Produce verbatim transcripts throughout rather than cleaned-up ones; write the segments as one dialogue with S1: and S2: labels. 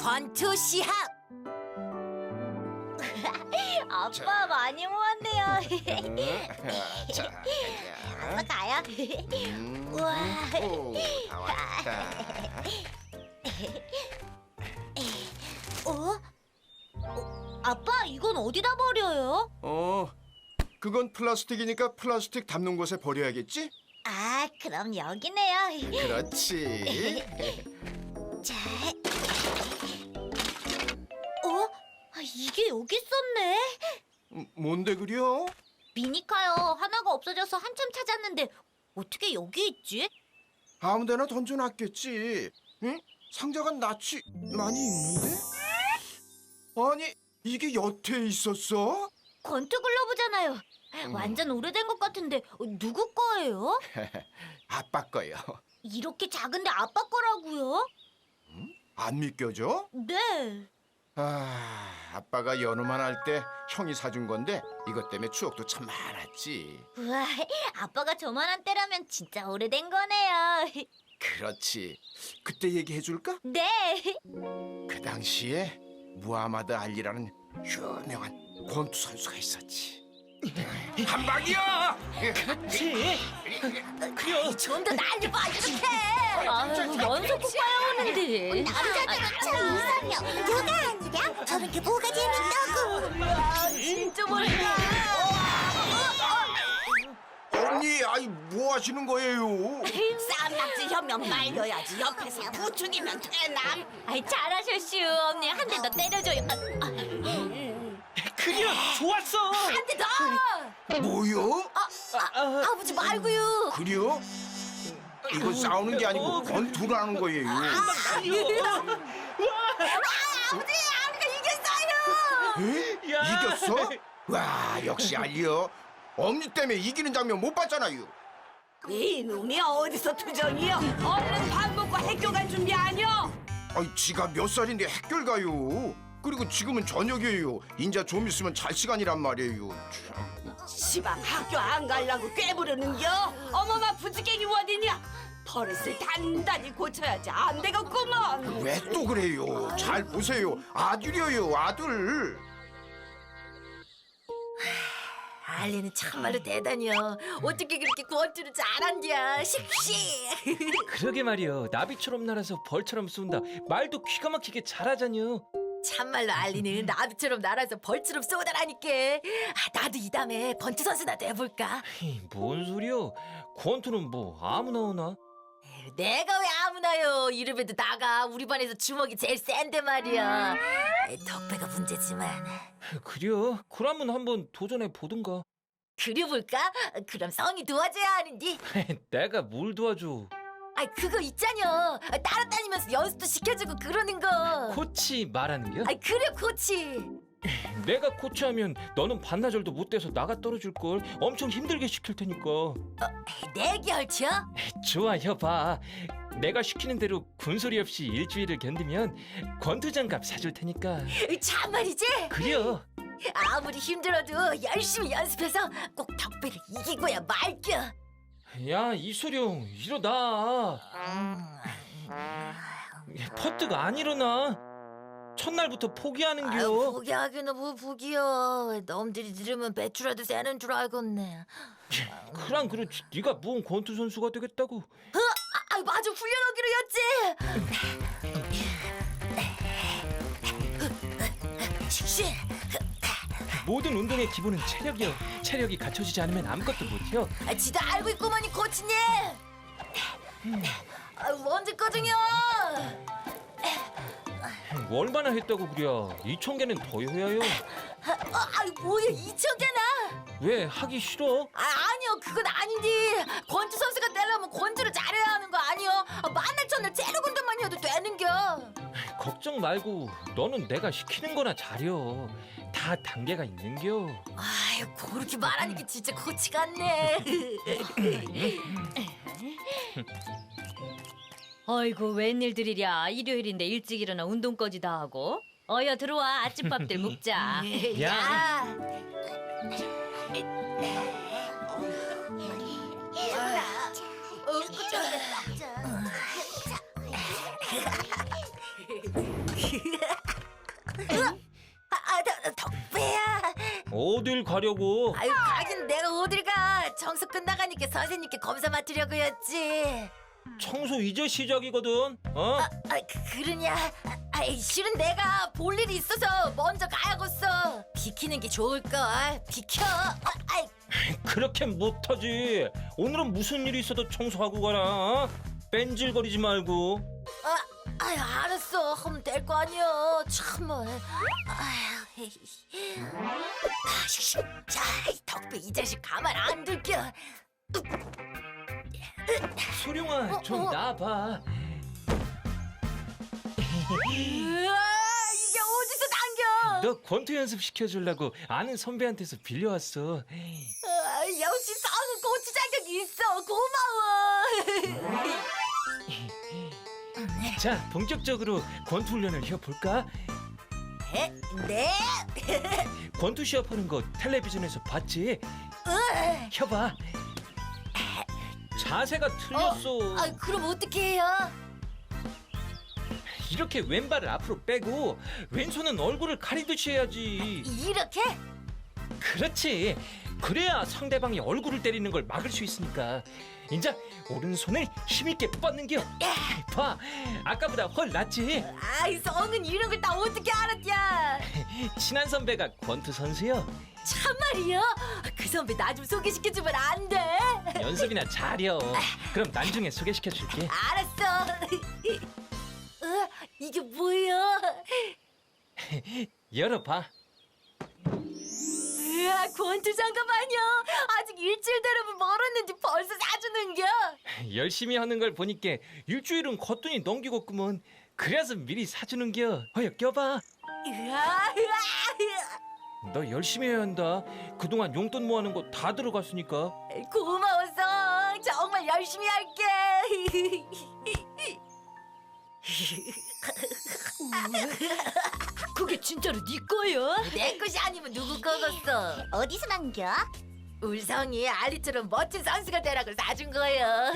S1: 권투 시합.
S2: 아빠
S3: 자.
S2: 많이 모았네요.
S3: 자,
S2: 아빠 가요.
S3: 음,
S2: 우와.
S3: 오, 다 왔다.
S2: 어? 어? 아빠 이건 어디다 버려요?
S3: 어, 그건 플라스틱이니까 플라스틱 담는 곳에 버려야겠지?
S2: 아 그럼 여기네요.
S3: 그렇지.
S2: 자. 어? 아, 이게 여기 있었네.
S3: 음, 뭔데 그려?
S2: 미니카요. 하나가 없어져서 한참 찾았는데 어떻게 여기 있지?
S3: 아무데나 던져놨겠지. 응? 상자가 낯이 많이 있는데? 아니, 이게 여태 있었어?
S2: 권투 글러브잖아요. 완전 오래된 것 같은데 어, 누구 거예요?
S3: 아빠 거요.
S2: 이렇게 작은데 아빠 거라고요?
S3: 안 믿겨져?
S2: 네.
S3: 아, 아빠가 연우만 할 때 형이 사준 건데 이것 때문에 추억도 참 많았지.
S2: 우와, 아빠가 저만한 때라면 진짜 오래된 거네요.
S3: 그렇지. 그때 얘기해 줄까?
S2: 네.
S3: 그 당시에 무하마드 알리라는 유명한 권투 선수가 있었지. 한 방이야!
S4: 그렇지. 그려.
S1: 좀 더 날려 봐 이렇게.
S2: 아유, 연속 국가야 오는데.
S1: 남자들은 참 이상해. 누가 아니랴? 저런 게 뭐가 재밌다고.
S2: 진짜 멀다.
S3: 언니, 아이 뭐 하시는 거예요?
S1: 쌈낙지 혀면 말려야지. 옆에서 부추기면 되나?
S2: 아이 잘하셨슈. 언니 한 대 더 때려줘요. 아,
S4: 그려. 좋았어.
S1: 한 대 더.
S3: 뭐요?
S1: 아, 아버지 말고요.
S3: 그래요? 이건 싸우는 게 아니고 권투라는 거예요.
S1: 아버지 아버지가 이겼어요.
S3: 에?
S4: 야.
S3: 이겼어? 와, 역시 알리요. 엄니 때문에 이기는 장면 못 봤잖아요.
S1: 이놈이 어디서 투정이요? 얼른 밥 먹고 학교 갈 준비 아니요?
S3: 아이, 지가 몇 살인데 학교를 가요. 그리고 지금은 저녁이에요. 인자 좀 있으면 잘 시간이란 말이에요. 참.
S1: 시방 학교 안 가려고 꾀부르는겨? 어머마 부지깽이 어디냐? 버릇을 단단히 고쳐야지 안 되겠구먼.
S3: 왜 또 그래요? 잘 보세요. 아들이에요, 아들.
S1: 알리는 참말로 대단해요. 어떻게 그렇게 권투를 잘한디야? 씩씩.
S4: 그러게 말이여. 나비처럼 날아서 벌처럼 쏜다. 말도 기가 막히게 잘하잖여.
S1: 참말로 알리는 나비처럼 날아서 벌처럼 쏘다라니까. 아, 나도 이 다음에 권투 선수나 돼볼까?
S4: 에이, 뭔 소리여? 권투는 뭐 아무나 오나?
S1: 내가 왜 아무나요? 이름에도 나가 우리 반에서 주먹이 제일 센데 말이야. 덕배가 문제지만.
S4: 그려. 그러면 한번 도전해 보든가.
S1: 그려볼까? 그럼 성이 도와줘야 하는디.
S4: 내가 뭘 도와줘?
S1: 아 그거 있잖여. 따라다니면서 연습도 시켜주고 그러는 거.
S4: 코치 말하는 겨?
S1: 아 그래 코치.
S4: 내가 코치하면 너는 반나절도 못 돼서 나가 떨어질 걸. 엄청 힘들게 시킬 테니까.
S1: 내기 헐쳐?
S4: 좋아, 여봐. 내가 시키는 대로 군소리 없이 일주일을 견디면 권투장갑 사줄 테니까.
S1: 참말이지?
S4: 그려.
S1: 아무리 힘들어도 열심히 연습해서 꼭 덕배를 이기고야 말겨.
S4: 야, 이소룡, 일어나. 퍼뜨가 안 일어나. 첫날부터 포기하는겨.
S1: 아유, 포기하기는 뭐 포기여. 놈들이 들으면 배추라도 새는 줄 알겠네.
S4: 그랑 그렇지. 네가 무슨 권투 선수가 되겠다고.
S1: 어? 아, 아, 맞아 훈련하기로 했지. 씨.
S4: 모든 운동의 기본은 체력이여. 체력이 갖춰지지 않으면 아무것도 못해요.
S1: 아, 지도 알고 있구만이 코치님. 아, 언제 거든요?
S4: 얼마나 했다고 그려. 이천 개는 더 해야요.
S1: 아, 아, 뭐야 이천 개나?
S4: 왜 하기 싫어?
S1: 아, 아니요 그건 아닌데 권투 선수가 되려면 권투를 잘해야 하는 거 아니요? 아, 만날 첫날 째려 군대만 해도 되는겨.
S4: 걱정 말고 너는 내가 시키는 거나 잘여. 다 단계가 있는겨.
S1: 아유 그렇게 말하니까 진짜 코치 같네.
S2: 어이구 웬일들이랴. 일요일인데 일찍 일어나 운동까지 다 하고. 어여 들어와 아침밥들 먹자.
S4: 야.
S5: 아, 아, 덕- 덕배야.
S4: 어딜 가려고?
S5: 아유, 가긴 내가 어딜 가. 청소 끝나가니까 선생님께 검사 맡으려고였지.
S4: 청소 이제 시작이거든. 어?
S5: 아, 그, 그러냐? 아, 아이, 실은 내가 볼 일이 있어서 먼저 가야겠어. 비키는 게 좋을걸. 비켜. 아, 아이,
S4: 그렇게 못하지. 오늘은 무슨 일이 있어도 청소하고 가라. 어? 뺀질거리지 말고.
S5: 아, 아유, 알았어. 하면 될 거 아니야. 참말. 아유, 아, 씨, 자, 이 덕배 이 자식 가만 안 둘겨.
S4: 소룡아,
S5: 어,
S4: 좀
S5: 어.
S4: 나와봐.
S5: 으아, 이게 어디서 당겨?
S4: 너 권투 연습 시켜주려고 아는 선배한테서 빌려왔어.
S5: 아, 역시 성우 고추 자격이 있어. 고마워.
S4: 자, 본격적으로 권투 훈련을 해볼까?
S5: 에? 네?
S4: 권투 시합하는 거 텔레비전에서 봤지?
S5: 으아.
S4: 해봐. 자세가 틀렸어.
S5: 아, 그럼 어떻게 해요?
S4: 이렇게 왼발을 앞으로 빼고 왼손은 얼굴을 가리듯이 해야지.
S5: 이렇게?
S4: 그렇지. 그래야 상대방이 얼굴을 때리는 걸 막을 수 있으니까. 인자 오른손을 힘있게 뻗는겨. 봐, 아까보다 훨 낫지.
S5: 아이, 성은 이런 걸 다 어떻게 알았냐?
S4: 친한 선배가 권투 선수요.
S5: 참말이야? 그 선배 나 좀 소개시켜주면 안 돼?
S4: 연습이나 잘여. 그럼 나중에 소개시켜줄게.
S5: 알았어. 어, 이게 뭐야?
S4: 열어봐.
S5: 으아, 권투 장갑 아니야? 아직 일주일 되려면 멀었는지 벌써 사주는겨?
S4: 열심히 하는 걸 보니까 일주일은 거뜬히 넘기겠구먼. 그래서 미리 사주는겨. 어여 껴봐.
S5: 으아, 으아,
S4: 너 열심히 해야 한다. 그동안 용돈 모아는 거 다 들어갔으니까.
S5: 고마워서 정말 열심히 할게.
S2: 그게 진짜로 네 거야?
S5: 내 것이 아니면 누구 거겠어?
S6: 어디서 남겨?
S5: 울성이 알리처럼 멋진 선수가 되라고 사준 거예요.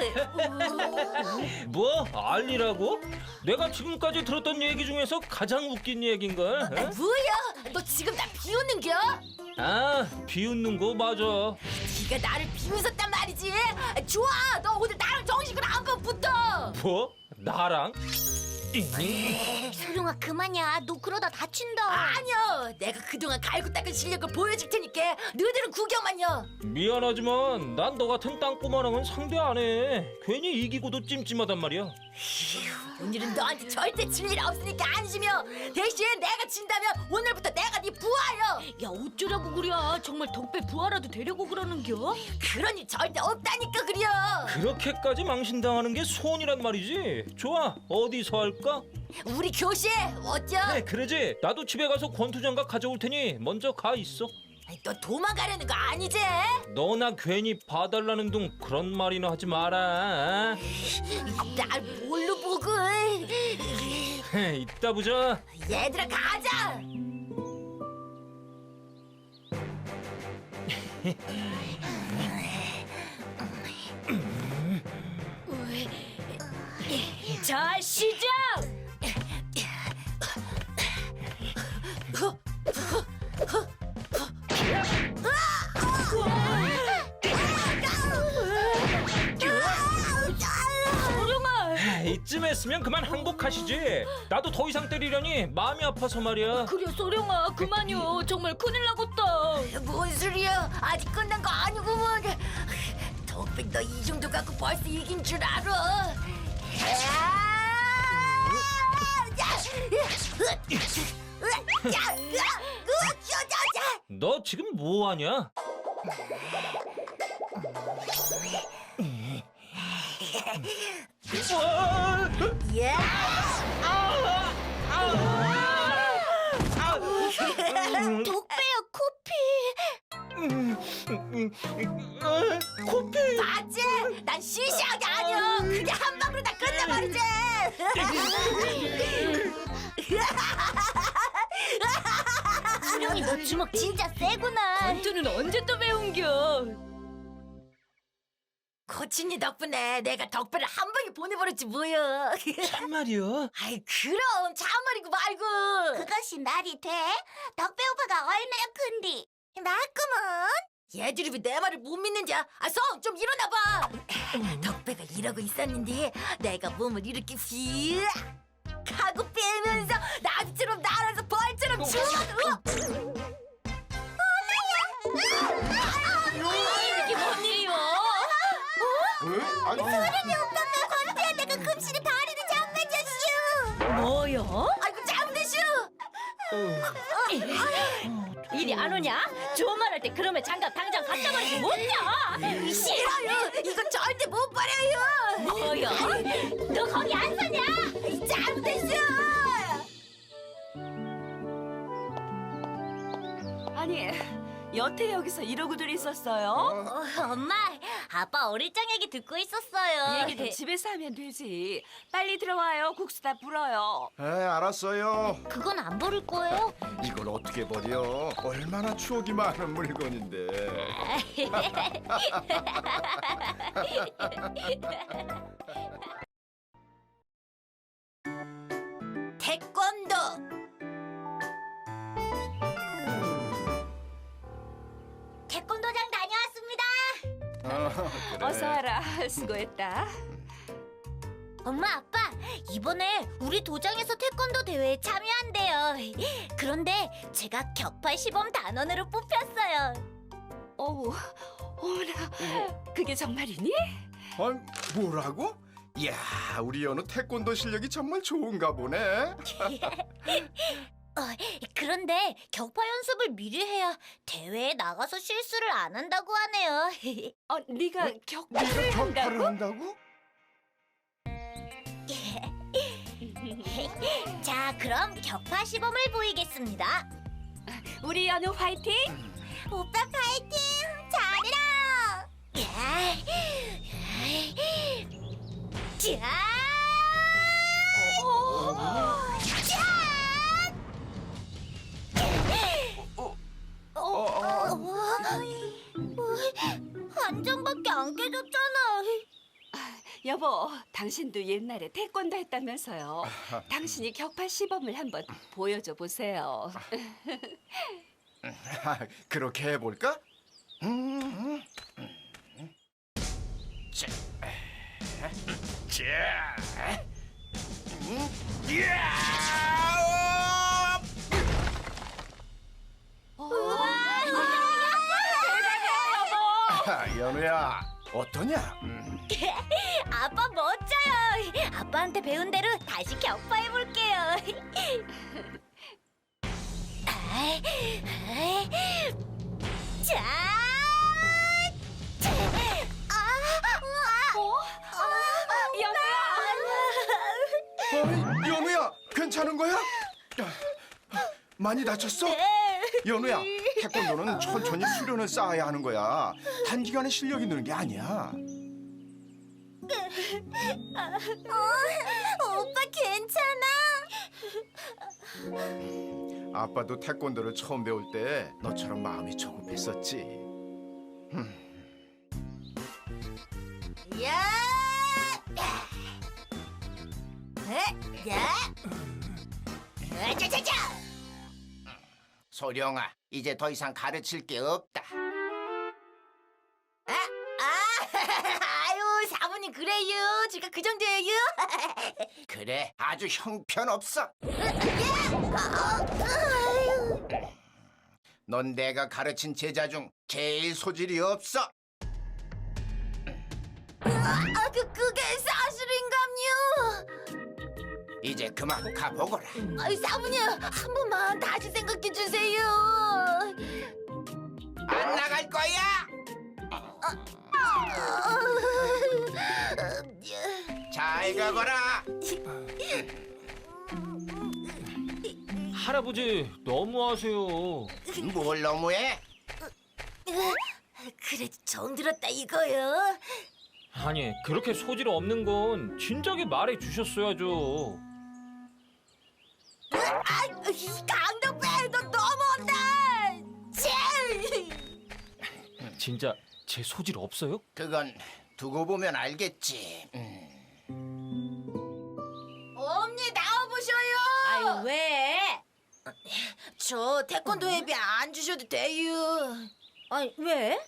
S4: 뭐? 알리라고? 내가 지금까지 들었던 얘기 중에서 가장 웃긴 얘긴걸.
S5: 아,
S4: 어?
S5: 뭐야? 너 지금 나 비웃는겨?
S4: 아, 비웃는 거 맞아.
S5: 네가 나를 비웃었단 말이지? 좋아, 너 오늘 나랑 정식으로 한번 붙어.
S4: 뭐? 나랑?
S6: 소룡아 그만이야. 너 그러다 다친다.
S5: 아니요, 내가 그동안 갈고 닦은 실력을 보여줄 테니까 너희들은 구경만요.
S4: 미안하지만 난 너 같은 땅꼬마랑은 상대 안 해. 괜히 이기고도 찜찜하단 말이야.
S5: 오늘은 너한테 절대 질 일 없으니까 안심이요. 대신 내가 진다면 오늘부터 내가 네 부하요.
S2: 야 어쩌라고 그래? 정말 덕배 부하라도 되려고 그러는겨?
S5: 그런 일 절대 없다니까 그려.
S4: 그렇게까지 망신당하는 게 소원이란 말이지. 좋아, 어디서 할까?
S5: 우리 교실 어쩌?
S4: 네, 그러지. 나도 집에 가서 권투장갑 가져올 테니 먼저 가 있어.
S5: 아이, 너 도망가려는 거 아니지?
S4: 너나 괜히 봐달라는 둥 그런 말이나 하지 마라.
S5: 날 뭘로 보고?
S4: 이따 보자.
S5: 얘들아 가자.
S2: 자 시작! 소룡아!
S4: 이쯤 했으면 그만 항복하시지. 나도 더 이상 때리려니 마음이 아파서 말이야.
S2: 그래 소룡아 그만요. 정말 큰일 나겠다.
S5: 뭔 소리야? 아직 끝난 거 아니구먼. 덕백 너 이 정도 갖고 벌써 이긴 줄 알아? 야!
S4: 너 지금 뭐 하냐?
S6: 독배야 코피.
S4: 코피.
S5: 맞지? 난 시시하게 아니야. 그냥 한 방으로 다 끝내버리지.
S6: 소룡이 너 주먹 진짜 세구나.
S2: 권투는 언제 또 배운겨?
S5: 호친이 덕분에 내가 덕배를 한 방에 보내버렸지 뭐야.
S4: 참말이요?
S5: 아이 그럼 참말이고 말고.
S6: 그것이 말이 돼? 덕배 오빠가 얼마나 큰디? 맞구먼.
S5: 얘들이 내 말을 못 믿는지 아, 성 좀 일어나봐. 덕배가 이러고 있었는데 내가 몸을 이렇게 휘 하고 빼면서 나비처럼 날아서 벌처럼 치워도
S2: 이게 뭔 일이요?
S3: 에? 아니,
S6: 오빠가 권태한다가 금실에 다리를 잡아줬슈.
S2: 뭐요?
S5: 아이고 잘못했슈.
S2: 일이 안 오냐? 좋은 말 할 때 그러면 장갑 당장 갖다 버리지 못냐?
S5: 싫어요. 이거 절대 못 버려요.
S2: 뭐요? 너 거기 안 서냐?
S5: 잘못했슈.
S1: 아니, 여태 여기서 이러고들 있었어요?
S6: 어, 엄마, 아빠 어릴 적 얘기 듣고 있었어요.
S1: 얘기도 집에서 하면 되지. 빨리 들어와요. 국수 다 불어요.
S3: 에, 알았어요.
S6: 그건 안 버릴 거예요?
S3: 이걸 어떻게 버려? 얼마나 추억이 많은 물건인데.
S5: 태권도.
S6: 태권도장 다녀왔습니다.
S3: 어, 그래.
S1: 어서 와라. 수고했다.
S6: 엄마, 아빠, 이번에 우리 도장에서 태권도 대회에 참여한대요. 그런데 제가 격파 시범 단원으로 뽑혔어요.
S1: 어우, 어머나. 그게 정말이니?
S3: 아, 뭐라고? 이야, 우리 연우 태권도 실력이 정말 좋은가 보네.
S6: 어, 그런데 격파 연습을 미리 해야 대회에 나가서 실수를 안 한다고 하네요.
S1: 어, 네가 격파를
S3: 네가 격파를
S1: 한다고?
S3: 한다고?
S6: 자, 그럼 격파 시범을 보이겠습니다.
S1: 우리 연우 화이팅!
S6: 오빠 파이팅! 잘해라! 자!
S3: 어, 어, 어.
S6: 한 장밖에 안 깨졌잖아.
S1: 여보, 당신도 옛날에 태권도 했다면서요. 당신이 격파 시범을 한번 보여줘 보세요.
S3: 아, 그렇게 해볼까? 음, 음, 음. 자, 자, 음, 이야! 아, 연우야, 어떠냐? 음.
S6: 아빠 멋져요. 아빠한테 배운 대로 다시 격파해 볼게요. 자, 아,
S1: 어? 연우야!
S3: 어이, 연우야, 괜찮은 거야? 야, 많이 다쳤어? 연우야, 태권도는 천천히 수련을 쌓아야 하는 거야. 단기간에 실력이 느는 게 아니야.
S6: 어, 오빠 괜찮아?
S3: 아빠도 태권도를 처음 배울 때 너처럼 마음이 조급했었지.
S5: 야! 에? 야! 자자자!
S3: 소령아, 이제 더 이상 가르칠 게 없다.
S5: 아, 아, 아유 사모님 그래요. 제가 그 정도예요.
S3: 그래, 아주 형편없어. 넌 내가 가르친 제자 중 제일 소질이 없어.
S5: 아, 그 그게 사실인감요.
S3: 이제 그만 가보거라.
S5: 아이 사모님 한 번만 다시 생각해 주세요.
S3: 안 나갈 거야. 잘 가거라.
S4: 할아버지 너무하세요.
S3: 뭘 너무해?
S5: 그래도 정 들었다 이거요.
S4: 아니 그렇게 소질 없는 건 진작에 말해 주셨어야죠.
S5: 아, 이 강덕배 너 너무한다. 치!
S4: 진짜 제 소질 없어요?
S3: 그건 두고 보면 알겠지. 음.
S5: 엄니 나와보셔요.
S2: 아유 왜?
S5: 저 태권도 회비 안 주셔도 돼요.
S2: 아니 왜?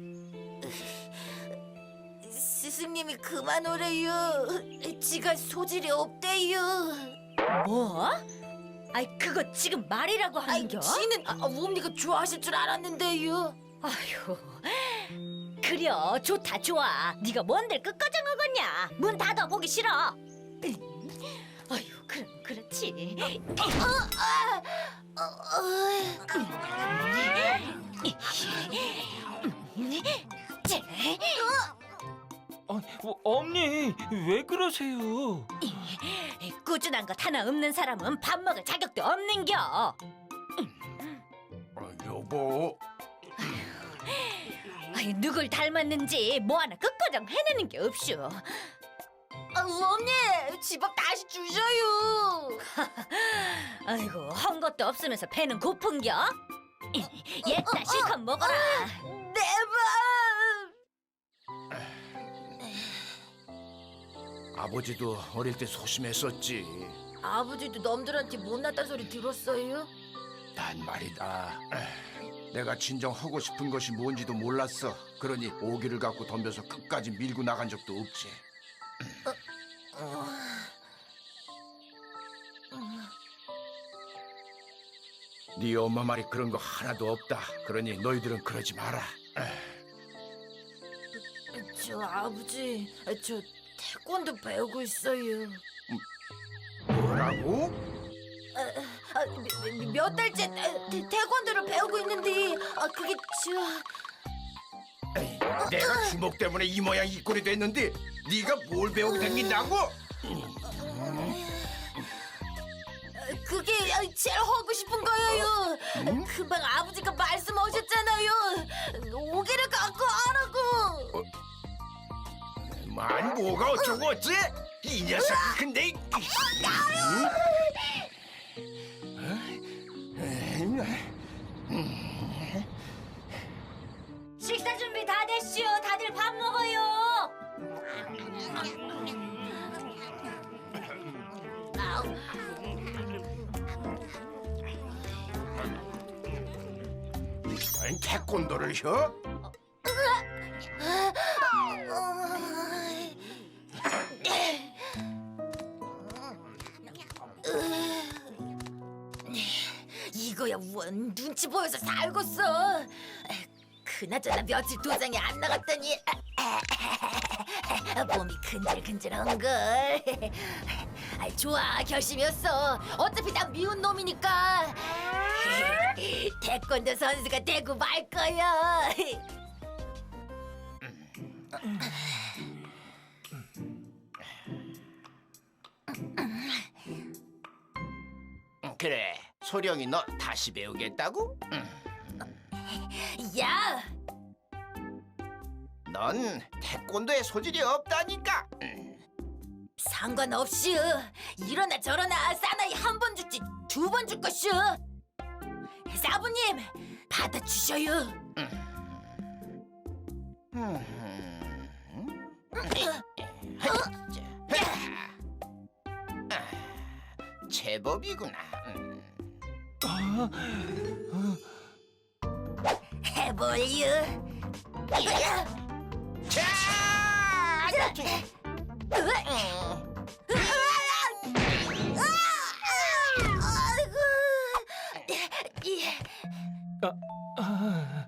S5: 스승님이 그만 오래요. 지가 소질이 없대요.
S2: 뭐? 아이 그거 지금 말이라고
S5: 아이,
S2: 하는겨?
S5: 지는 아, 엄니가 좋아하실 줄 알았는데요.
S2: 아휴 그려 좋다 좋아. 네가 뭔데 끝까지 먹었냐? 문 닫아 보기 싫어. 아휴 그럼 그렇지.
S4: 어, 어, 엄니 왜 그러세요?
S2: 꾸준한 것 하나 없는 사람은 밥 먹을 자격도 없는겨.
S3: 어, 여보,
S2: 아이, 누굴 닮았는지 뭐 하나 끝까지 해내는 게 없슈.
S5: 아, 엄니 집밥 다시 주셔요.
S2: 아이고 한 것도 없으면서 배는 고픈겨? 옛다 실컷 먹어라.
S5: 내밥.
S3: 아버지도 어릴 때 소심했었지.
S5: 아버지도 남들한테 못났다는 소리 들었어요?
S3: 난 말이다. 내가 진정 하고 싶은 것이 뭔지도 몰랐어. 그러니 오기를 갖고 덤벼서 끝까지 밀고 나간 적도 없지. 네 엄마 말이 그런 거 하나도 없다. 그러니 너희들은 그러지 마라.
S5: 저 아버지, 저 태권도 배우고 있어요.
S3: 뭐라고?
S5: 아, 몇 달째 태, 태권도를 배우고 있는데 아, 그게 저...
S3: 에이, 내가 주먹 때문에 이 모양 이 꼴이 됐는데 네가 뭘 배우고 다닌다고?
S5: 그게 제일 하고 싶은 거예요.
S3: 음?
S5: 금방 아버지가 말씀하셨잖아요. 오기를 갖고 하라고.
S3: 만 뭐가 어쩌고 어째? 이 녀석 근데
S2: 식사 준비 다 됐슈. 다들 밥 먹어요.
S3: 태권도를 혀?
S5: 이거야 원 눈치 보여서 살겄어. 그나저나 며칠 도장에 안 나갔더니 몸이 근질근질한걸. 아, 좋아 결심이었어. 어차피 난 미운 놈이니까 태권도 선수가 되고 말 거야.
S3: 그래, 소령이 너 다시 배우겠다고?
S5: 야,
S3: 넌 태권도에 소질이 없다니까.
S5: 상관없이 이러나 저러나 사나이 한 번 죽지 두 번 죽 것이오. 사부님 받아주셔요.
S3: 제법이구나.
S5: 해볼유.
S3: 자!
S4: 아,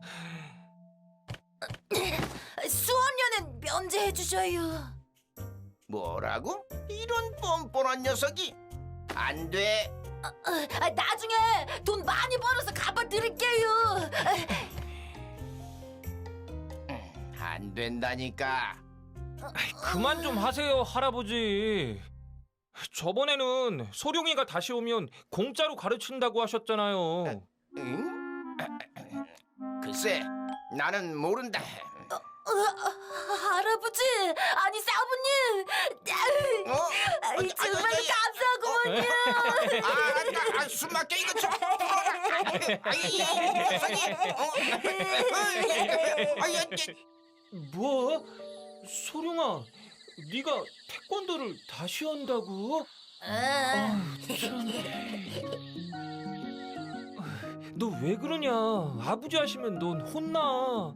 S5: 수업료는 면제해 주셔요.
S3: 뭐라고? 이런 뻔뻔한 녀석이? 안 돼.
S5: 아, 나중에 돈 많이 벌어서 갚아 드릴게요.
S3: 안 된다니까.
S4: 그만 좀 하세요, 할아버지. 저번에는 소룡이가 다시 오면 공짜로 가르친다고 하셨잖아요.
S3: 응? 글쎄, 나는 모른다.
S5: 어, 할아버지, 아니 사부님,
S3: 어?
S5: 아이, 정말 감사하구먼요.
S3: 아, 아, 아, 숨 막혀 이거 좀. 아이, 녀석이. 어? 아이, 아이,
S4: 뭐? 소룡아, 네가 태권도를 다시 한다고?
S5: 응.
S4: 너 왜 그러냐? 아버지 하시면 넌 혼나.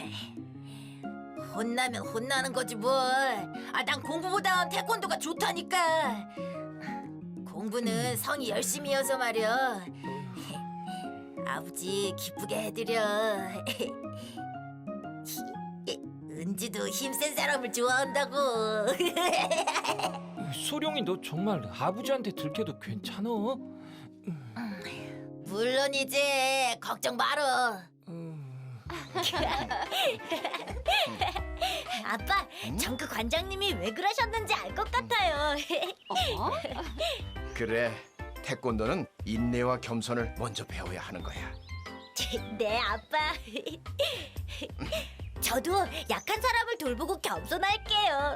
S5: 혼나면 혼나는 거지 뭘. 아, 난 공부보다 태권도가 좋다니까. 공부는 성이 열심히여서 말이야. 아버지 기쁘게 해드려. 은지도 힘센 사람을 좋아한다고.
S4: 소룡이 너 정말 아버지한테 들켜도 괜찮아?
S5: 물론이지. 걱정 말어.
S6: 아빠, 정크 관장님이 왜 그러셨는지 알 것 같아요.
S1: 어?
S3: 그래, 태권도는 인내와 겸손을 먼저 배워야 하는 거야.
S6: 네, 아빠. 저도 약한 사람을 돌보고 겸손할게요.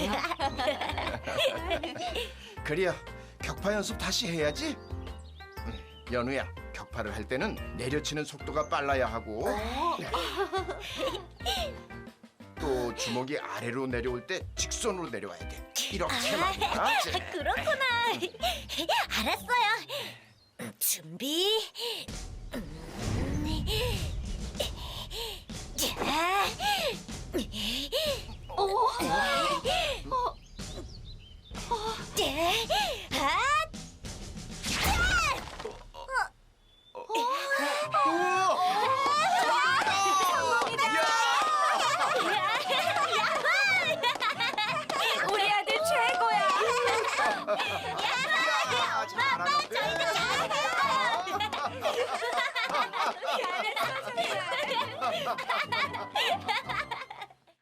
S3: 그래야 격파 연습 다시 해야지. 음, 연우야, 격파를 할 때는 내려치는 속도가 빨라야 하고 또 주먹이 아래로 내려올 때 직선으로 내려와야 돼. 이렇게 말이야.
S6: 그렇구나. 알았어요. 준비. 자. 오. 네.